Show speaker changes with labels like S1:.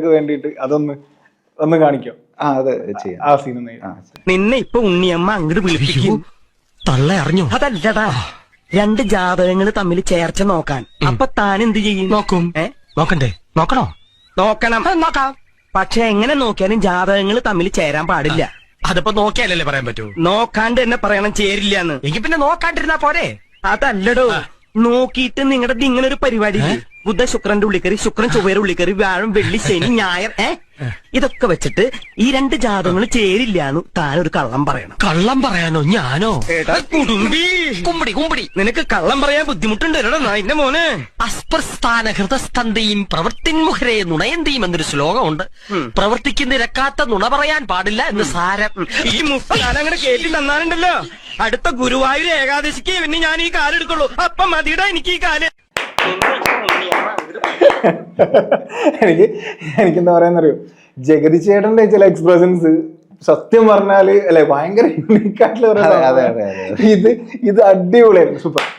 S1: പ്രേക്ഷകർക്ക് വേണ്ടിയിട്ട് ഒന്ന് കാണിക്കാം.
S2: അതെ ചെയ്യാം.
S1: ആ സീൻ
S3: നിന്നെ ഇപ്പൊ ഉണ്ണിയമ്മ അങ്ങോട്ട് വിളിപ്പിക്കും.
S4: തള്ള അറിഞ്ഞു?
S3: അതല്ലടാ, രണ്ട് ജാതകങ്ങൾ തമ്മിൽ ചേർച്ച നോക്കാൻ. അപ്പൊ താൻ എന്ത് ചെയ്യും?
S4: നോക്കും. നോക്കണ്ടേ? നോക്കണോ?
S3: നോക്കണം. നോക്കാം. പക്ഷെ എങ്ങനെ നോക്കിയാലും ജാതകങ്ങൾ തമ്മിൽ ചേരാൻ പാടില്ല.
S4: അതിപ്പോ നോക്കിയാലല്ലേ പറയാൻ പറ്റൂ?
S3: നോക്കാണ്ട് തന്നെ പറയണം ചേരില്ലാന്ന്.
S4: എങ്കിൽ പിന്നെ നോക്കാണ്ടിരുന്നാ പോരെ?
S3: അതല്ലടോ, നോക്കിയിട്ട് നിങ്ങളുടെ ഇങ്ങനെ ഒരു പരിപാടി ബുധ ശുക്രന്റെ ഉള്ളിക്കറി, ശുക്രൻ ചൊവ്വയുടെ ഉള്ളിക്കറി, വ്യാഴം വെള്ളി ശനി ഞായർ ഇതൊക്കെ വെച്ചിട്ട് ഈ രണ്ട് ജാതകങ്ങൾ ചേരില്ലാന്ന് താനൊരു കള്ളം പറയണം.
S4: കള്ളം പറയാനോ? ഞാനോ?
S3: കുടുംബി
S4: കുമ്പടി കുമ്പടി,
S3: നിനക്ക് കള്ളം പറയാൻ ബുദ്ധിമുട്ടുണ്ട് എന്റെ മോനെ.
S4: അസ്പ്രസ്ഥാന ഹൃദസ്തന്തയും പ്രവൃത്തിൻമുഖരെ നുണയന്തിയും എന്നൊരു ശ്ലോകമുണ്ട്. പ്രവർത്തിക്ക് നിരക്കാത്ത നുണ പറയാൻ പാടില്ല എന്ന് സാരം.
S3: ഈ മുക്കാലം അങ്ങനെ കേട്ടി തന്നാലുണ്ടല്ലോ, അടുത്ത ഗുരുവായൂർ ഏകാദശിക്ക് പിന്നെ ഞാൻ ഈ കാലെടുക്കുള്ളൂ. അപ്പം മതിയുടെ എനിക്ക് ഈ കാല്.
S1: എനിക്കെന്താ പറയാന്നറിയോ, ജഗതി ചേട്ടന്റെ ചില എക്സ്പ്രഷൻസ് സത്യം പറഞ്ഞാല് അല്ലെ ഭയങ്കര യൂണിക് ആയിട്ടുള്ള ഇത് അടിപൊളിയായിരുന്നു. സൂപ്പർ.